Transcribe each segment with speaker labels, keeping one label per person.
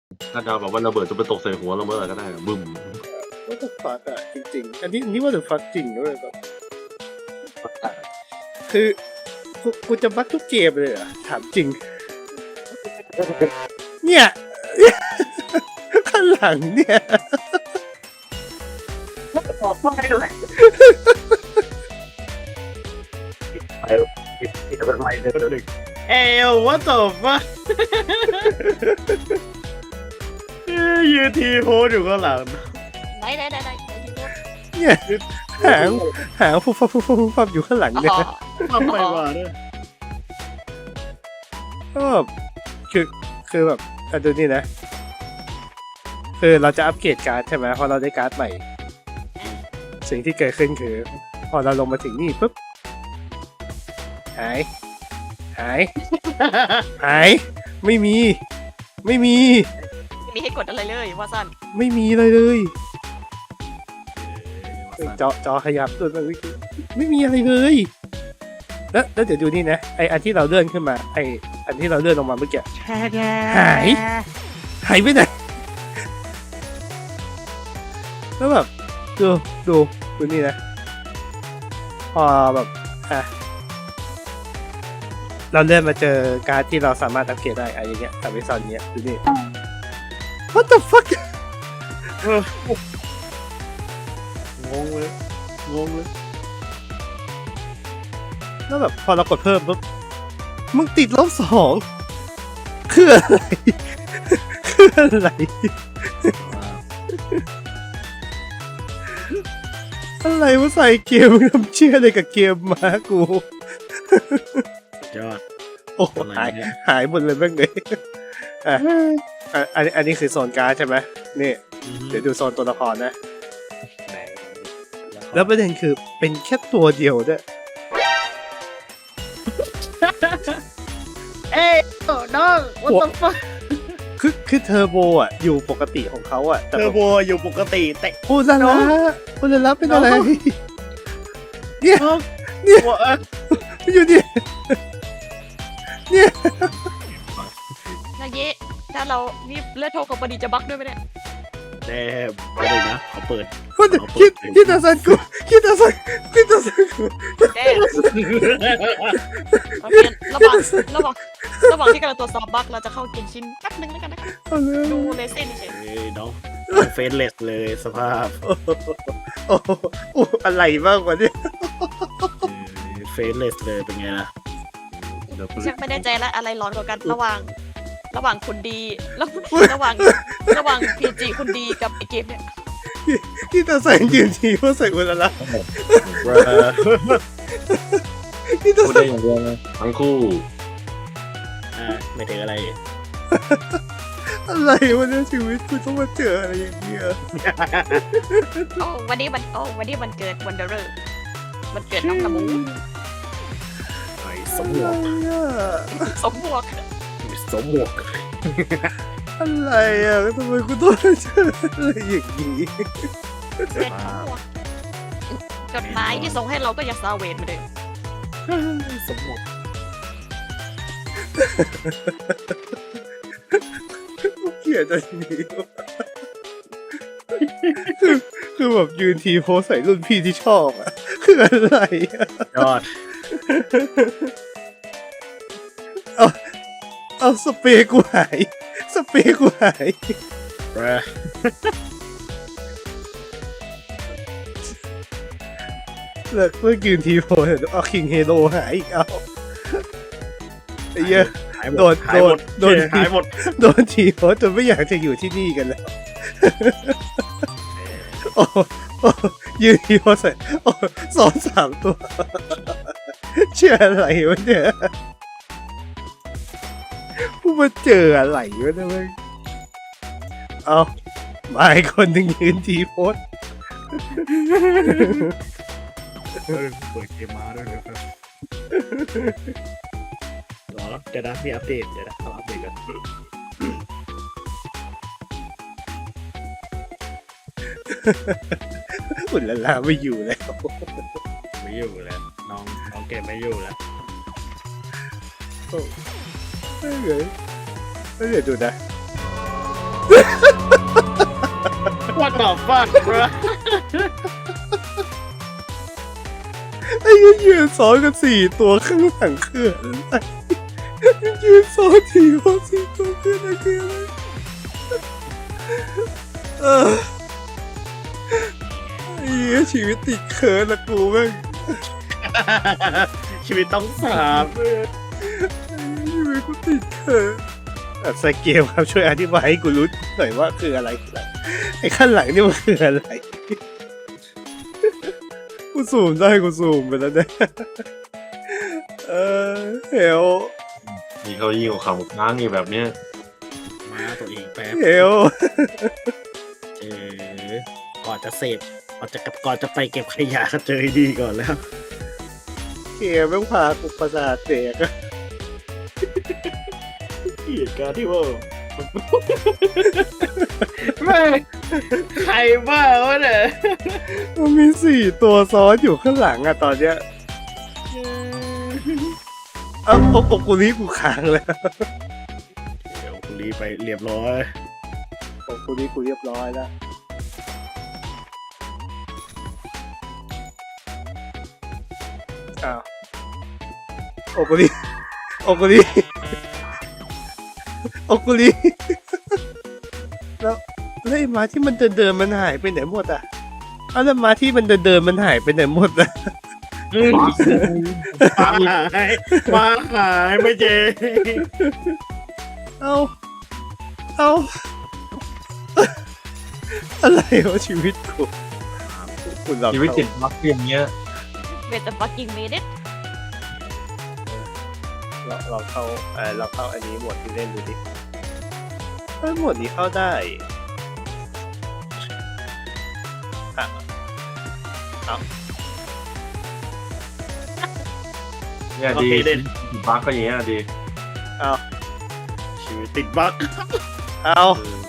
Speaker 1: ถ้าจะแบบว่าระเบิดจะไปตกใส่หัวเราเมื่อไหร่ก็ได้บึ้ม
Speaker 2: ว่าจะฟักจริงๆอันนี้ว่าจะฟักจริงด้วยแบบคือกูจะบักทุกเกมเลยเหรอถามจริง เนี่ย ข้างหลังเนี่ย
Speaker 3: ขอฟังให้ด้วยไปเป็นไรเด็ก
Speaker 2: เอลว่าตบวะยืนทีโพสอยู่ข้างหลัง
Speaker 4: ไหน
Speaker 2: เนี่ยหางฟุบฟับอยู่ข้างหลังเนี่ย
Speaker 3: ทำไมวะเนี่ย
Speaker 2: ก็แบบคือแบบดูนี่นะ คือเราจะอัปเกรดการ์ดใช่ไหมพอเราได้การ์ดใหม่ สิ่งที่เกิดขึ้นคือ พอเราลงมาถึงนี่ปุ๊บหาย ไม่มี
Speaker 4: ไม่มีให้กดอะไรเลยว่าสั้น
Speaker 2: ไม่มีเลยจอขยับตัวไม่มีอะไรเลย แล้วเดี๋ยวดูนี่นะไออันที่เราเลื่อนขึ้นมาไออันที่เราเลื่อนลงมาเมื่อกี้หายไปไหนแล้วแบบดูนี่นะพอแบบเราเลื่อนมาเจอการ์ดที่เราสามารถอัปเกรดได้อะไรอย่างเงี้ยแต่ไม่ซอนเนี้ยดูนี่ What the fuck
Speaker 3: งงเลย
Speaker 2: แล้วแบบพอเรากดเพิ่มปุ๊บมึงติด-2คืออะไรอะไรมาใส่เกมมึงทำเชื่ออะไรกับเกมมากู
Speaker 3: ยอด
Speaker 2: โอ้หายหมดเลยแม่งเลยอันนี้คือโซนการ์ดใช่ไหมนี่เดี๋ยวดูโซนตัวละครนะแล้วประเด็นคือเป็นแค่ตัวเดียวด้วย
Speaker 4: เอ้ยน้อง what the fuck
Speaker 2: คือเทอร์โบอยู่ปกติของเขาแต่
Speaker 3: เทอร์โบอยู่ปกติแต่
Speaker 2: อุลาละเป็นอะไรเนี่ยอยู่เนี่ย
Speaker 4: นายเยะถ้าเรานี่เลือดโทกับปดีจะบักด้วยไหมเนี่ย
Speaker 3: แต่ไม่ได้นะเขาเปิด
Speaker 2: คิดตาซันกูคิดตาซันกู
Speaker 4: เด้โอเคระหว่างที่กำลังตรวจสอบบักเราจะเข้าเกนชินแป๊บนึงแล้วกันนะคะดูเลเซ่นเฉย
Speaker 3: น้องเฟสเลสเลยสภาพ
Speaker 2: โอ้อะไรบ้างวะเนี่ย
Speaker 3: เฟสเลสเลยเป็นไงล่ะ
Speaker 4: ฉันไม่แน่ใจแล้วอะไรร้อนกว่ากันระหว่างคนดีระหว่างพีจีคนดีกับไอเกมเนี่ย
Speaker 2: คิดตาซันยืนทีว่าใส่อุลาละคิดตา
Speaker 1: พูด
Speaker 2: ซั
Speaker 1: ได้
Speaker 2: น
Speaker 1: อย่างเดียวนะทั้งคู่
Speaker 3: ไม่ถึงอะไร
Speaker 2: อะไรวะเนี่ยชีวิตกูต้องมาเจออะไรอย่างเงี้ย
Speaker 4: วันนี้มันเกิดวันเดอร์มันเกิดน้องละมู
Speaker 3: ไอ้สมหมวก
Speaker 4: สมบวก
Speaker 3: สมหมวก
Speaker 2: อะไรอ่ะทำไมกูต้องมาเจออะไรอย่างงี้
Speaker 4: เกิดสมบวกจดหมายที่ส่งให้เราก็ยังซาเวนมาเลย
Speaker 3: สมหมวก
Speaker 2: เกลียดอันนี้คือแบบยืนทีโพสใส่รุ่นพี่ที่ชอบอ่ะคืออะไรอ่ะ
Speaker 3: ยอด
Speaker 2: เอาสเปรย์กูหาย เลิกยืนทีโพสเอาคิงเฮโร่หายอีกเอาไอ้เหี้ย โดน
Speaker 3: หายหมด
Speaker 2: โดนทีโพสจนไม่อยากจะอยู่ที่นี่กันแล้วโอ้ยืนทีโพสใส่2-3 ตัวเชื่ออะไรวะเนี่ยผู้มาเจออะไรวะเนี่ยมึงเอามาอีกคนหนึ่งยืนทีโพส
Speaker 3: เปิดเกมมาด้วยเลยครับรอแล้วเดี๋ยวนะมีอัปเดตเดี๋ยวนะเอาอัปเดตกัน
Speaker 2: อุ่นละลาไม่อยู่แล้ว
Speaker 3: ไม่อยู่แล้วน้องเกมไม่อยู่แล้ว
Speaker 2: ไม่เลยไม่เดี๋ยวดูนะ
Speaker 3: What the fuck bro
Speaker 2: ไอ้ยืนซ้อนกัน4 ตัวข้างหลังคืออะไรยืนซ้อน4 ตัวคืออะไรไอ้เหี้ยชีวิตติดเคิร์นละกูแม่ง
Speaker 3: ชีวิตต้องสาบ
Speaker 2: ชีวิตกูติดเคิร์นสเกลครับช่วยอธิบายให้กูรู้หน่อยว่าคืออะไรไอ้ขั้นหลังนี่มันคืออะไรกูซูมได้กูซูมไปแล้วเนี่ยเฮล
Speaker 1: นี่เขายิ่งกว่าข่าวค้างอยู่แบบเนี้ย
Speaker 3: มาตัวเองแป๊บ
Speaker 2: เฮล
Speaker 3: ก่อนจะเสพก่อนจะไปเก็บขยะก็เจอดีก่อนแล้ว
Speaker 2: เกมแม่งพากูประสาทเสียก
Speaker 3: เหตุการณ์ที่ว่าไม่ใครบ้าวะเนี่ย
Speaker 2: มันมี4 ตัวซ้อนอยู่ข้างหลังอะตอนเนี้ยโอ้กูนี้กูค้างแล้ว
Speaker 3: เดี๋ยวกูรีไปเรียบร้อย
Speaker 2: โอ้กูนี้กูเรียบร้อยแล้วอ้าวโอ้กูนี้แล้วไอ้ม้าที่มันเดินมันหายไปไหนหมดอ่ะเอาแล้วม้าที่มันเดินมันหายไปไหนหมดอ่ะ
Speaker 3: มาหายไม่เจ
Speaker 2: เอาอะไรวะชีวิตกูคุณเรา
Speaker 1: ชีวิตติดบั๊กอย่างเงี้ย
Speaker 4: เวทแต่ปักกิ่งเมดิ
Speaker 2: เราเข้าอันนี้หมวดที่เล่นดูดิหมวดนี้เข้าได้เอา
Speaker 1: เนี่ยดีติดบั๊กก็อย่างเงี้ยดี
Speaker 2: เอา
Speaker 3: ชีวิตติดบั๊ก
Speaker 2: เอา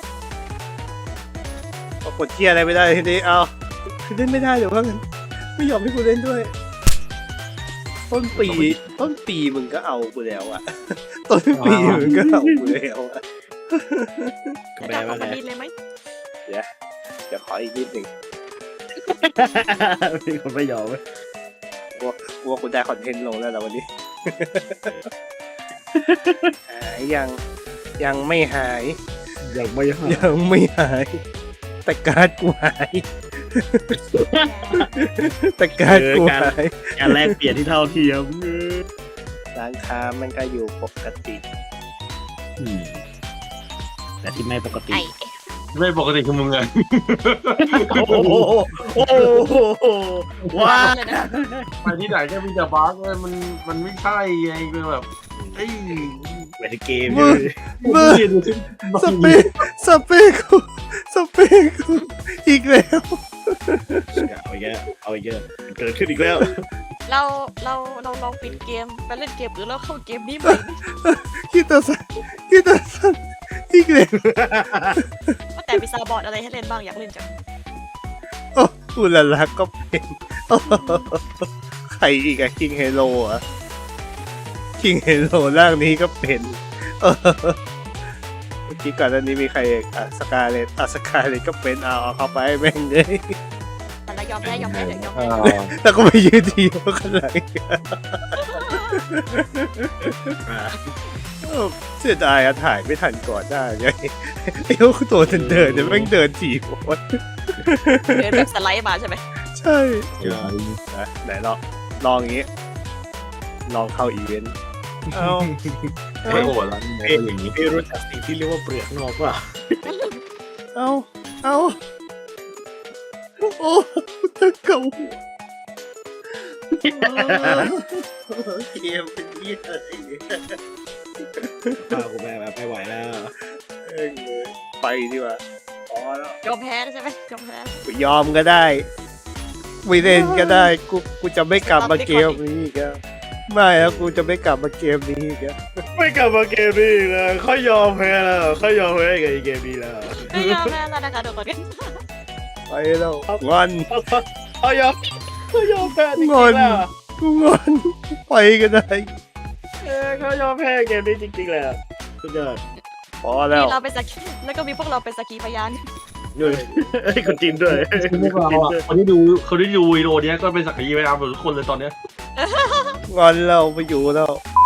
Speaker 2: กดเทียอะไรไม่ได้ทีนี้เอาคือเล่นไม่ได้เดี๋ยวว่างั้นไม่ยอมให้กูเล่นด้วยต้นปีมึงก็เอากูแล้วอะต้นปีมึงก็เอากูแล้วอะ
Speaker 3: ก็
Speaker 4: จะ
Speaker 3: แปล
Speaker 4: ดับ
Speaker 3: ว่า
Speaker 4: ของ
Speaker 3: ไง
Speaker 4: มันดีเลยไหม
Speaker 2: เดี๋ยวขออีกนิดหนึ่ง
Speaker 3: มีคนไม่ยอมไหม
Speaker 2: กลัวกูได้คอนเทนต์ลงแล้วนะวันนี้ หายยังไม่หาย
Speaker 3: ยังไม่หาย
Speaker 2: ยังไม่หาย แต่การ์ดกูหาย แต่การ์ดกูหาย
Speaker 3: การแลกเปลี่ยนที่เท่าเทียม
Speaker 2: ร้านค้ามันก็อยู่ปกติ
Speaker 3: แต่ที่ไม่ปกติ
Speaker 4: ไอ้
Speaker 1: ไม่ปกติคือมึงไง
Speaker 3: โอ้โหว้า
Speaker 4: เลยนะ
Speaker 1: ไปที่ไหนก็มีแต่บั๊กเลยมันไม่ใช่ไงคือแบบเอ้ย
Speaker 3: เหมือนเกม
Speaker 2: มึง สเปคกูอีกแล้ว
Speaker 3: เอาอีกแล้วเกิดขึ้นอีกแล้ว
Speaker 4: เราลองปิดเกมไปเล่นเกมหรือเราเข้าเกมนี้ไหม
Speaker 2: คิดแต่สันอีกแล้ว
Speaker 4: ว่าแต่มีซาบอร์ดอะไรให้เล่นบ้างอยากเล่นจัง
Speaker 2: โอ้อุลาลักก็เป็นโอ้ใครอีกอะคิงเฮโร่อะคิงเฮโร่ร่างนี้ก็เป็นเมื่อกี้ก่อนหน้านี้มีใครสกาเลตก็เป็นเอาเข้าไปแม่งเลย
Speaker 4: แต่ละยอมแพ้เดี๋ยวยอมแพ้
Speaker 2: แล้วก็ไปยืนทีข้างหลังเสียดายอะถ่ายไม่ทันก่อนได้ไงไอ้พวกตัวเดินเนี่ยแม่งเดินถีบหมด
Speaker 4: เดินแบบสไลด์มาใช่ไหม
Speaker 2: ใช่ไหนลองอย่างงี้ลองเข้าอีเวนต์เอา
Speaker 1: ไม่โหดแล้วนี่ก็อย่างนี้
Speaker 3: พี่รู้จักสิ่งที่เรียกว่าเปลือกนอกป่ะ
Speaker 2: เอาโอ้ตะเก่าเกมเป็นยี่อะไรเนี่ย
Speaker 3: ข้าวกูแม่แบบไม่ไหวแล้ว
Speaker 2: ไปดีกว่าพอแล้ว
Speaker 4: ยอมแพ้ใช่ไหมยอมแพ้
Speaker 2: ยอมก็ได้ไม่เล่นก็ได้กูจะไม่กลับมาเกมนี้อีกแล้วไม่แล้วกูจะไม่กลับมาเกมนี้อีกแล้ว
Speaker 3: ไม่กลับมาเกมนี้แล้วเขายอมแพ้แล้วเขายอมแพ้กับเกมนี้แล้ว
Speaker 4: ไม่ยอมแพ้แล้วนะคะทุกคน
Speaker 2: ไปแล้วงอน
Speaker 3: เขายอมแพ้จริง
Speaker 2: งอน
Speaker 3: ๆแล้ว
Speaker 2: กูงอนไปก็ได้
Speaker 3: เขายอมแพ้เกมนี้จริงๆแล้วสุดยอด
Speaker 2: พอแล้ว
Speaker 4: มีเราเป็นสักขีแล้วก็มีพวกเราเป็นสักขีพยาน
Speaker 3: ด้วยไอ้คนจีนด้วย
Speaker 1: พวกเราอ่ะคนที่ดูวิดีโอเนี้ยก็เป็นสักขีพยานหมดทุกคนเลยตอนเนี้ย
Speaker 2: งอนเราไปอยู่แล้ว